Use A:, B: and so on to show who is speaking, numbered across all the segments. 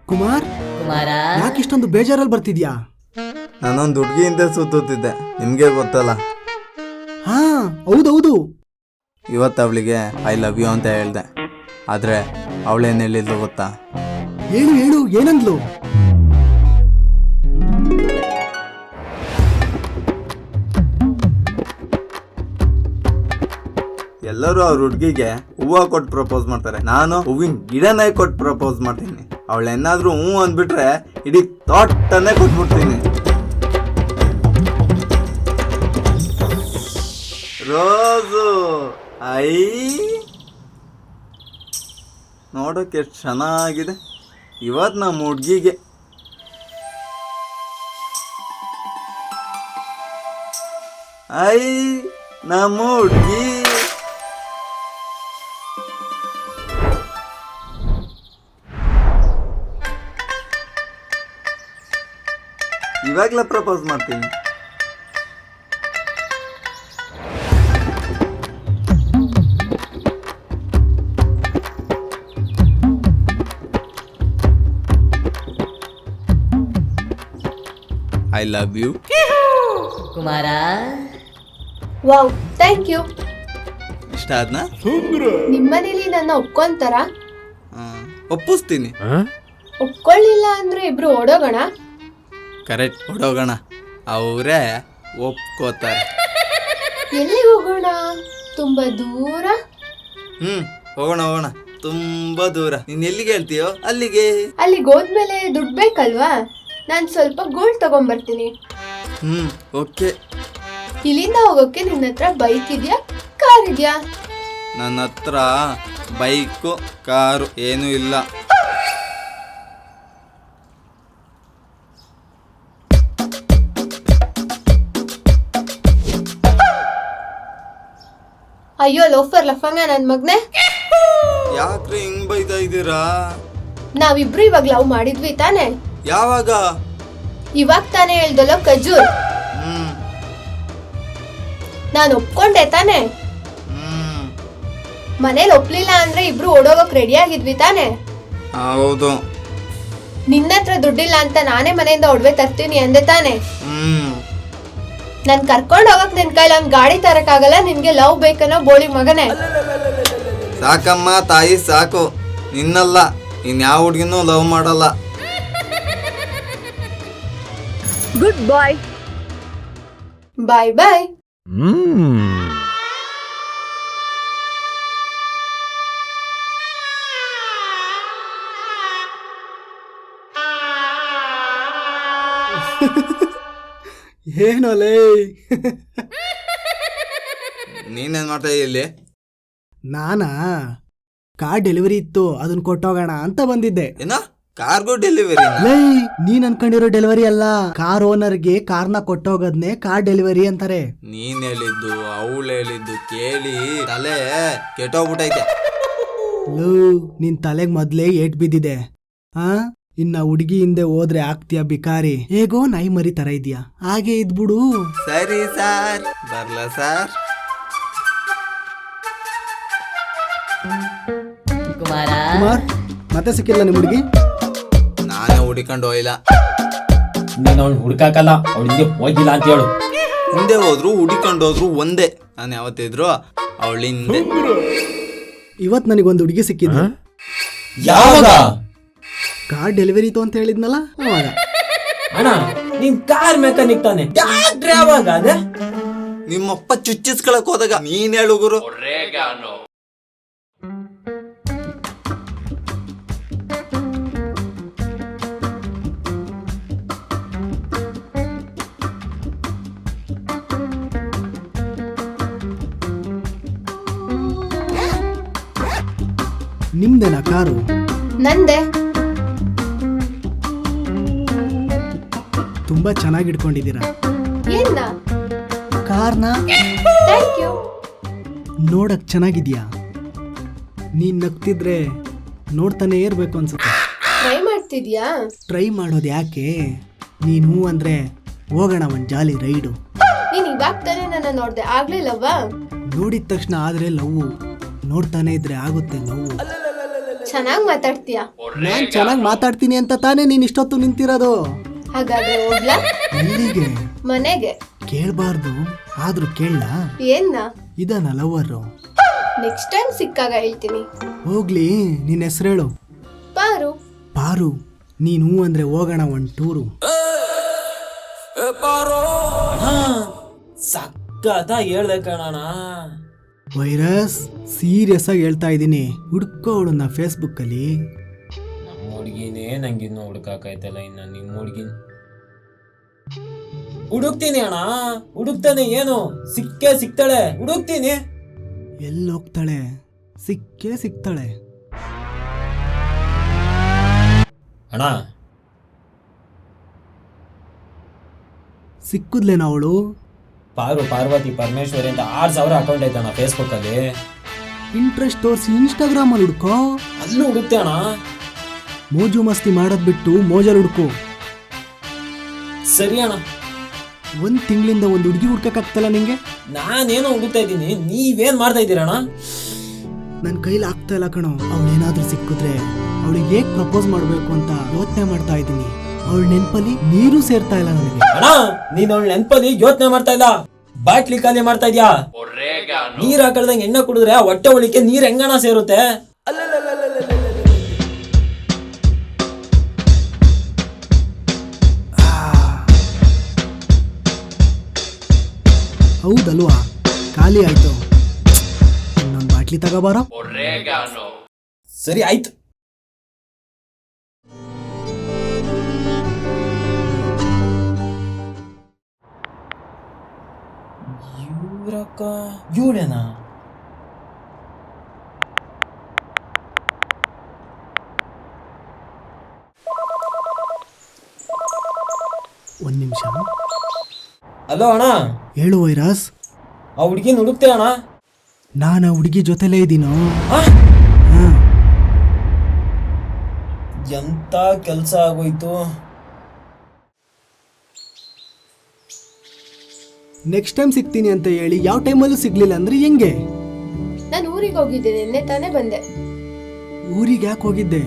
A: ಕುಮಾರ್,
B: ಕುಮಾರ,
A: ಯಾಕೆ ಇಷ್ಟೊಂದು ಬೇಜಾರಲ್ಲಿ ಬರ್ತಿದ್ಯಾ?
C: ನಾನೊಂದು ಹುಡುಗಿಯಿಂದ ಸುತ್ತುತ್ತಿದ್ದೆ, ನಿಮಗೆ ಗೊತ್ತಲ್ಲ.
A: ಹಾ, ಹೌದೌದು.
C: ಇವತ್ತು ಅವಳಿಗೆ ಐ ಲವ್ ಯು ಅಂತ ಹೇಳ್ದೆ. ಆದರೆ ಅವಳೇನು ಹೇಳಿದ್ಲು ಗೊತ್ತಾ?
A: ಹೇಳು ಹೇಳು, ಏನಂದ್ಲು?
C: ಎಲ್ಲರೂ ಅವ್ರ ಹುಡುಗಿಗೆ ಹೂವು ಕೊಟ್ಟು ಪ್ರಪೋಸ್ ಮಾಡ್ತಾರೆ, ನಾನು ಹೂವಿನ ಗಿಡನೇ ಕೊಟ್ಟು ಪ್ರಪೋಸ್ ಮಾಡ್ತೀನಿ. ಅವಳೇನಾದ್ರೂ ಹೂ ಅಂದ್ಬಿಟ್ರೆ ಇಡೀ ತೋಟನ್ನೇ ಕೊಟ್ಬಿಡ್ತೀನಿ. ರೋಸು ಐ ನೋಡೋಕೆ ಎಷ್ಟು ಚೆನ್ನಾಗಿದೆ. ಇವತ್ತು ನಮ್ಮ ಹುಡುಗಿಗೆ ಐ ನಮ್ಮ ಹುಡುಗಿ ಇವಾಗಲೇ ಪ್ರಪೋಸ್ ಮಾಡ್ತೀನಿ. I love you
B: Kumara.
D: Wow, thank you.
C: ಇಷ್ಟ ಆದ್ನಾ?
D: ನಿಮ್ಮನೇಲಿ ನನ್ನ ಒಪ್ಕೊಂತಾರ?
C: ಒಪ್ಪಿಸ್ತೀನಿ.
D: ಒಪ್ಕೊಳ್ಳಿಲ್ಲ ಅಂದ್ರೆ ಇಬ್ರು ಓಡೋಗೋಣ.
C: ಕರೆಕ್ಟ್, ಹೊಡೋಗೋಣ. ಅವರೇ ಒಪ್ಕೋತಾರೆ.
D: ಎಲ್ಲಿ ಹೋಗೋಣ? ತುಂಬಾ ದೂರ?
C: ಹೋಗೋಣ ಹೋಗೋಣ, ತುಂಬಾ ದೂರ. ನೀನ್ ಎಲ್ಲಿಗೆ ಹೇಳ್ತೀಯೋ ಅಲ್ಲಿಗೆ.
D: ಅಲ್ಲಿಗೆ ಹೋದ್ಮೇಲೆ ದುಡ್ಡು ಬೇಕಲ್ವಾ? ನಾನು ಸ್ವಲ್ಪ ಗೋಲ್ಡ್ ತಗೊಂಡ್ಬರ್ತೀನಿ.
C: ಓಕೆ.
D: ಇಲ್ಲಿಂದ ಹೋಗೋಕೆ ನಿನ್ನ ಹತ್ರ ಬೈಕ್ ಇದೆಯಾ, ಕಾರ್ ಇದೆಯಾ?
C: ನನ್ನ ಹತ್ರ ಬೈಕು ಕಾರು ಏನೂ ಇಲ್ಲ.
D: ಅಯ್ಯೋ ಲೋಫರ್ ಲಫಂಗ ನನ್ ಮಗ್ನೆ,
C: ಯಾಕ್ರಿ ಹಿಂಗ್ ಬೈತಾ ಇದ್ದೀರಾ?
D: ನಾವಿಬ್ರು ಇವಾಗ ಲವ್ ಮಾಡಿದ್ವಿ ತಾನೆ?
C: ಯಾವಾಗ?
D: ಇವಾಗ ತಾನೇ ಹೇಳ್ದಲ್ಲೋ ಖಜೂರ್. ನಾನು ಒಪ್ಕೊಂಡೆ ತಾನೆ? ಮನೇಲಿ ಒಪ್ಲಿಲ್ಲ ಅಂದ್ರೆ ಇಬ್ರು ಓಡೋಗಕ್ ರೆಡಿ ಆಗಿದ್ವಿ ತಾನೆ?
C: ಹೌದು.
D: ನಿನ್ನ ಹತ್ರ ದುಡ್ಡಿಲ್ಲ ಅಂತ ನಾನೇ ಮನೆಯಿಂದ ಒಡವೆ ತರ್ತೀನಿ ಅಂದೆ ತಾನೆ? ನನ್ ಕರ್ಕೊಂಡ್ ಹೋಗಕ್ ನಿನ್ ಕೈಲಿ ಒಂದ್ ಗಾಡಿ ತರಕಾಗಲ್ಲ. ನಿನ್ಗೆ ಲವ್ ಬೇಕನ್ನೋ ಬೋಳಿ ಮಗನೇ.
C: ಸಾಕಮ್ಮ ತಾಯಿ, ಸಾಕು. ನಿನ್ನಲ್ಲ, ಇನ್ಯಾವ ಹುಡ್ಗಿನೂ ಲವ್ ಮಾಡಲ್ಲ.
D: ಗುಡ್ ಬಾಯ್. ಬಾಯ್ ಬಾಯ್.
A: ಏನೋಲೇ?
C: ನೀನೇನ್ ಮಾಡ್ತಾ ಇಲ್ಲಿ?
A: ನಾನಾ ಕಾರ್ ಡೆಲಿವರಿ ಇತ್ತು, ಅದನ್ನ ಕೊಟ್ಟೋಗೋಣ ಅಂತ ಬಂದಿದ್ದೆ.
C: ಏನೋ ಕಾರ್ಗೋ ಡೆಲಿವರಿ?
A: ಲೈ, ನೀನ್ ಅನ್ಕೊಂಡಿರೋ ಡೆಲಿವರಿ ಅಲ್ಲ. ಕಾರ್ ಓನರ್ಗೆ ಕಾರ್ನ ಕೊಟ್ಟೋಗೋದ್ನೆ ಕಾರ್ ಡೆಲಿವರಿ ಅಂತಾರೆ.
C: ನೀನ್ ಹೇಳಿದ್ದು ಅವಳು ಹೇಳಿದ್ದು ಕೇಳಿ ತಲೆ ಕೆಟ್ಟೋಗ್ಬಿಟ್ಟೈತೆ.
A: ಲೋ, ನಿನ್ ತಲೆಗ್ ಮೊದ್ಲೇ ಏಟ್ ಬಿದ್ದಿದೆ. ಇನ್ನ ಹುಡುಗಿ ಹಿಂದೆ ಹೋದ್ರೆ ಆಗ್ತೀಯ ಬಿಕಾರಿ. ಹೇಗೋ ನಾಯಿ ಮರಿ ತರ ಇದೆಯಾ, ಹಾಗೆ ಇದ್ಬಿಡು.
C: ಸರಿ ಸಾರ್, ಬರ್ಲ ಸಾರ್.
B: ಕುಮಾರ,
A: ಕುಮಾರ್, ಮತ್ತೆ ಸಿಕ್ಕಿಲ್ಲ ನಿಮ್ ಹುಡುಗಿ?
C: ನಾನೇ ಹುಡಿಕೊಂಡು ಹೋಗಿಲ್ಲ.
E: ನೀನು ಅವ್ನು ಹುಡುಕಾಕಲ್ಲ, ಅವಳಿಗೆ ಹೋಗಿಲ್ಲ ಅಂತ ಹೇಳು.
C: ಹಿಂದೆ ಹೋದ್ರು ಹುಡಿಕೊಂಡು ಹೋದ್ರು ಒಂದೇ. ನಾನು ಯಾವತ್ತಿದ್ರು ಅವಳಿಂದೆ.
A: ಇವತ್ ನನಗೊಂದು ಹುಡುಗಿ ಸಿಕ್ಕಿದ್ದು.
E: ಯಾವಾಗ?
A: ಕಾರ್ ಡೆಲಿವರಿ ಇತ್ತು ಅಂತ ಹೇಳಿದ್ನಲ್ಲ ಅವಾಗ.
E: ಅಣ್ಣ, ನೀನ್ ಕಾರ್ ಮೆಕ್ಯಾನಿಕ್ ತಾನೆ, ಯಾಕ್ರೆ ಯಾವಾಗ ಅದೇ?
C: ನಿಮ್ಮಪ್ಪ ಚುಚ್ಚಿಸ್ಕೊಳಕ್ ಹೋದಾಗ ನೀನ್ ಹೇಳು ಗುರು.
A: ನಿಮ್ದೇನಾ ಕಾರು?
D: ನಂದೆ.
A: ತುಂಬಾ ಚೆನ್ನಾಗಿ ಇಟ್ಕೊಂಡಿದ್ದೀರಾ
D: ಏನ್ನ?
A: ಕಾರ್ನ.
D: Thank you.
A: ನೋಡಕ್ ಚೆನ್ನಾಗಿದ್ಯಾ? ನೀನ್ ನಗ್ತಿದ್ರೆ ನೋಡ್ತಾನೆ ಇರ್ಬೇಕು ಅನ್ಸುತ್ತೆ.
D: ಟ್ರೈ ಮಾಡ್ತಿದ್ಯಾ?
A: ಟ್ರೈ ಮಾಡೋದು ಯಾಕೆ? ನೀನು ಅಂದ್ರೆ ಹೋಗೋಣ ಒಂದ್ ಜಾಲಿ ರೈಡು.
D: ನೀನ್ ಇವಾಗ ತಾನೇ ನನ್ನ ನೋಡ್ದೆ, ಆಗ್ಲಿಲ್ಲವಾ?
A: ನೋಡಿದ ತಕ್ಷಣ ಆದ್ರೆ ಲವ್, ನೋಡ್ತಾನೆ ಇದ್ರೆ ಆಗುತ್ತೆ ನೋವು.
D: ಚೆನ್ನಾಗ್ ಮಾತಾಡ್ತೀಯ.
A: ನಾನ್ ಚೆನ್ನಾಗಿ ಮಾತಾಡ್ತೀನಿ ಅಂತ ತಾನೇ ನೀನ್ ಇಷ್ಟೊತ್ತು ನಿಂತಿರೋದು.
D: ಹಾಗಾದ್ರೆ ಹೋಗ್ಲಾ?
A: ಎಲ್ಲಿಗೆ?
D: ಮನೆಗೆ.
A: ಕೇಳ್ಬಾರ್ದು ಆದ್ರೂ ಕೇಳ.
D: ಏನ್ನ?
A: ಇದನ್ನ ಲವರು.
D: ನೆಕ್ಸ್ಟ್ ಟೈಮ್ ಸಿಕ್ಕಾಗ ಹೇಳ್ತೀನಿ.
A: ಹೋಗ್ಲಿ, ನಿನ್ ಹೆಸರೇಳು.
D: ಪಾರು.
A: ಪಾರು, ನೀನು ಅಂದ್ರೆ ಹೋಗೋಣ ಒಂದ್ ಟೂರು.
E: ಸಕ್ಕತ್ತ ಹೇಳ್ದೆ ಕಣಣ್ಣ.
A: ವೈರಸ್, ಸೀರಿಯಸ್ ಆಗಿ ಹೇಳ್ತಾ ಇದ್ದೀನಿ. ಹುಡ್ಕೋ ಅವಳನ್ನ ಫೇಸ್ಬುಕ್ ಅಲ್ಲಿ.
E: ನಮ್ಮ ಹುಡ್ಗಿನೇ ನಂಗಿನ್ನೂ ಹುಡುಕಾಕೈತಲ್ಲ, ಇನ್ನ ನಿಮ್ಮ ಹುಡ್ಗಿನ ಹುಡುಕ್ತೀನಿ ಅಣ್ಣ. ಹುಡುಕ್ತಾನೆ, ಏನು ಸಿಕ್ಕೇ ಸಿಗ್ತಾಳೆ. ಹುಡುಕ್ತೀನಿ.
A: ಎಲ್ಲಿ ಹೋಗ್ತಾಳೆ? ಸಿಕ್ಕೇ ಸಿಗ್ತಾಳೆ.
E: ಅಣ್ಣ
A: ಸಿಕ್ಕುದ್ಲೇನ ಅವಳು?
E: ಪಾರ್ವತಿ ಪರಮೇಶ್ವರಿ ಅಂತ 6,000 ಅಕೌಂಟ್ ಐತಣ್ಣ ಫೇಸ್ಬುಕ್ ಅಲ್ಲಿ.
A: ಇಂಟ್ರೆಸ್ಟ್ ತೋರಿಸಿ ಇನ್ಸ್ಟಾಗ್ರಾಮ್ ಅಲ್ಲಿ ಹುಡ್ಕೋ.
E: ಅಲ್ಲೂ ಹುಡುಕ್ತೆ ಅಣ್ಣ.
A: ಮೋಜು ಮಸ್ತಿ ಮಾಡೋದ್ ಬಿಟ್ಟು ಮೋಜಲ್ ಹುಡ್ಕೋ.
E: ಸರಿ ಅಣ್ಣ.
A: ಒಂದ್ ತಿಂಗಳಿಂದ ಒಂದು ಹುಡುಗಿ ಹುಡ್ಕಕ್ಕಾಗ್ತಲ್ಲ ನಿಂಗೆ?
E: ನಾನೇನೋ ಹುಡುಕ್ತಾ ಇದ್ದೀನಿ, ನೀವೇನ್ ಮಾಡ್ತಾ ಇದ್ದೀರಣ್ಣ?
A: ನನ್ ಕೈಲಿ ಆಗ್ತಾ ಇಲ್ಲ ಕಣೋ. ಅವಳೇನಾದ್ರೂ ಸಿಕ್ಕಿದ್ರೆ ಅವಳಿಗೆ ಹೇಗ್ ಪ್ರಪೋಸ್ ಮಾಡ್ಬೇಕು ಅಂತ ಯೋಚನೆ ಮಾಡ್ತಾ ಇದ್ದೀನಿ. ಅವಳ ನೆನ್ಪಲ್ಲಿ ನೀರು ಸೇರ್ತಾ ಇಲ್ಲ ನನಗೆ.
E: ಅಣ್ಣ, ನೀನ್ ಅವಳ ನೆನ್ಪಲ್ಲಿ ಯೋಚನೆ ಮಾಡ್ತಾ ಇಲ್ಲ, ಬಾಟ್ಲಿ ಖಾಲಿ ಮಾಡ್ತಾ ಇದ್ಯಾ. ನೀರ್ ಹಾಕಳ್ದಂಗೆ ಎಣ್ಣೆ ಕುಡಿದ್ರೆ ಆ ಹೊಟ್ಟೆ ಒಳಿಕೆ ನೀರ್ ಹೆಂಗಣ ಸೇರುತ್ತೆ?
A: ಹೌದಲ್ವಾ? ಖಾಲಿ ಆಯ್ತು. ಇನ್ನೊಂದು ಬಾಟ್ಲಿ ತಗೋಬಾರೋ.
E: ಸರಿ ಆಯ್ತು. ಇವ್ರಕ್ಕ ಇವಳೇನಾ?
A: ಒಂದ್ ನಿಮಿಷ.
E: ಹಲೋ ಅಣ್ಣ.
A: ಹೇಳು ವೈರಸ್.
E: ಆ ಹುಡ್ಗಿನ ಹುಡುಕ್ತೆ ಅಣ್ಣ.
A: ನಾನು ಆ ಹುಡುಗಿ ಜೊತೆಲೇ ಇದ್ದೀನೋ.
E: ಎಂತ ಕೆಲ್ಸ ಆಗೋಯ್ತು.
A: ನೆಕ್ಸ್ಟ್ ಟೈಮ್ ಸಿಗ್ತೀನಿ ಅಂತ ಹೇಳಿ ಯಾವ ಟೈಮಲ್ಲೂ ಸಿಗ್ಲಿಲ್ಲ ಅಂದ್ರೆ ಹೆಂಗೆ?
D: ನಾನು ಊರಿಗೆ ಹೋಗಿದ್ದೆ, ನಿನ್ನೆ ತಾನೇ ಬಂದೆ.
A: ಊರಿಗೆ ಯಾಕೆ ಹೋಗಿದ್ದೆ?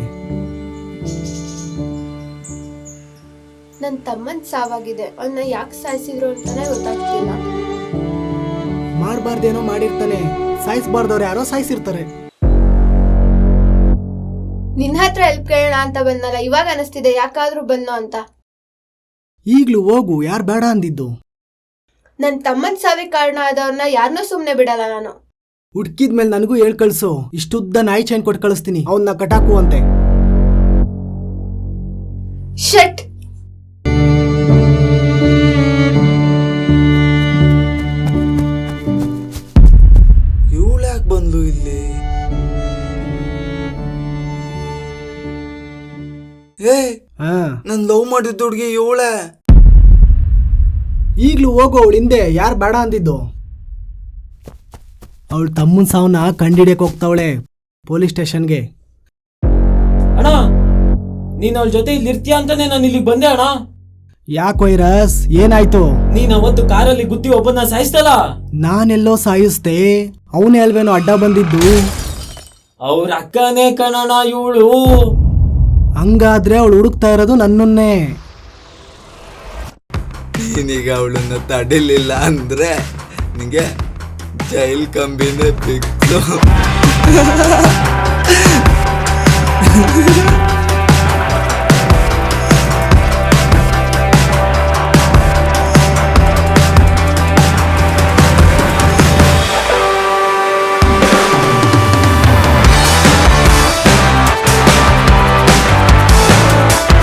D: ನನ್ ತಮ್ಮನ್ ಸಾವಾಗಿದೆ. ಅವನ್ನ ಯಾಕೆ ಸಾಯಿಸಿದ್ರು ಅಂತಾನೆ ಗೊತ್ತಾಗ್ತಿಲ್ಲ.
A: ಮಾಡ್ಬಾರ್ದೇನೋ ಮಾಡಿರ್ತಾನೆ. ಸಾಯಿಸ್ಬಾರ್ದವ್ರು ಯಾರೋ ಸಾಯಿಸಿರ್ತಾರೆ.
D: ನಿನ್ನ ಹತ್ರ ಹೆಲ್ಪ್ ಕೇಳೋಣ ಅಂತ ಬಂದಲ್ಲ, ಇವಾಗ ಅನಿಸ್ತಿದೆ ಯಾಕಾದ್ರೂ ಬಂದೋ ಅಂತ.
A: ಈಗ್ಲೂ ಹೋಗು, ಯಾರು ಬೇಡ ಅಂದಿದ್ದು?
D: ನನ್ ತಮ್ಮನ್ ಸಾವಿಗೆ ಕಾರಣ ಆದವ್ರನ್ನ ಯಾರನ್ನೂ ಸುಮ್ನೆ ಬಿಡಲ್ಲ ನಾನು.
A: ಹುಡ್ಕಿದ್ಮೇಲೆ ನನಗೂ ಹೇಳ್ ಕಳ್ಸು. ಇಷ್ಟುದ್ದ ನಾಯಿ ಚೈನ್ ಕೊಟ್ಟು ಕಳಿಸ್ತೀನಿ, ಅವನ್ನ ಕಟಾಕು ಅಂತೆ.
D: ಶಟ್.
C: ಇವಳ್ಯಾಕೆ ಬಂದ್ಲು ಇಲ್ಲಿ? ನನ್ ಲವ್ ಮಾಡಿದ್ದ ಹುಡ್ಗಿ ಇವಳೆ.
A: ಈಗ್ಲೂ ಹೋಗು, ಅವಳು ಹಿಂದೆ ಯಾರು ಬೇಡ ಅಂದಿದ್ದು. ಅವಳು ತಮ್ಮನ್ ಸಾವನ್ನ ಕಂಡಿಡಿಯಕ್ ಹೋಗ್ತಾವಳೆ ಪೊಲೀಸ್ ಸ್ಟೇಷನ್ಗೆ.
E: ಅಣ್ಣ, ನೀನ್ ಅವಳ ಜೊತೆ ಇಲ್ಲಿ ಇರ್ತೀಯ ಅಂತಾನೆ ನಾನು ಇಲ್ಲಿಗೆ ಬಂದೆ ಅಣ್ಣ.
A: ಯಾಕೆ ವೈರಸ್, ಏನಾಯ್ತು?
E: ನೀನ್ ಅವತ್ತು ಕಾರಲ್ಲಿ ಗುದ್ದಿ ಒಬ್ಬನ ಸಾಯಿಸ್ತಲ್ಲ.
A: ನಾನೆಲ್ಲೋ ಸಾಯಿಸ್ತೆ, ಅವನೇ ಅಲ್ವೇನೋ ಅಡ್ಡ ಬಂದಿದ್ದು.
E: ಅವ್ರ ಅಕ್ಕನೇ ಕಣಣ ಇವಳು.
A: ಹಂಗಾದ್ರೆ ಅವಳು ಹುಡುಕ್ತಾ ಇರೋದು ನನ್ನನ್ನೇ.
C: ನೀನೀಗ ಅವಳನ್ನ ತಡಿಲಿಲ್ಲ ಅಂದ್ರೆ ನಿಂಗೆ ಜೈಲ್ ಕಂಬಿನೇ ಬಿತ್ತು.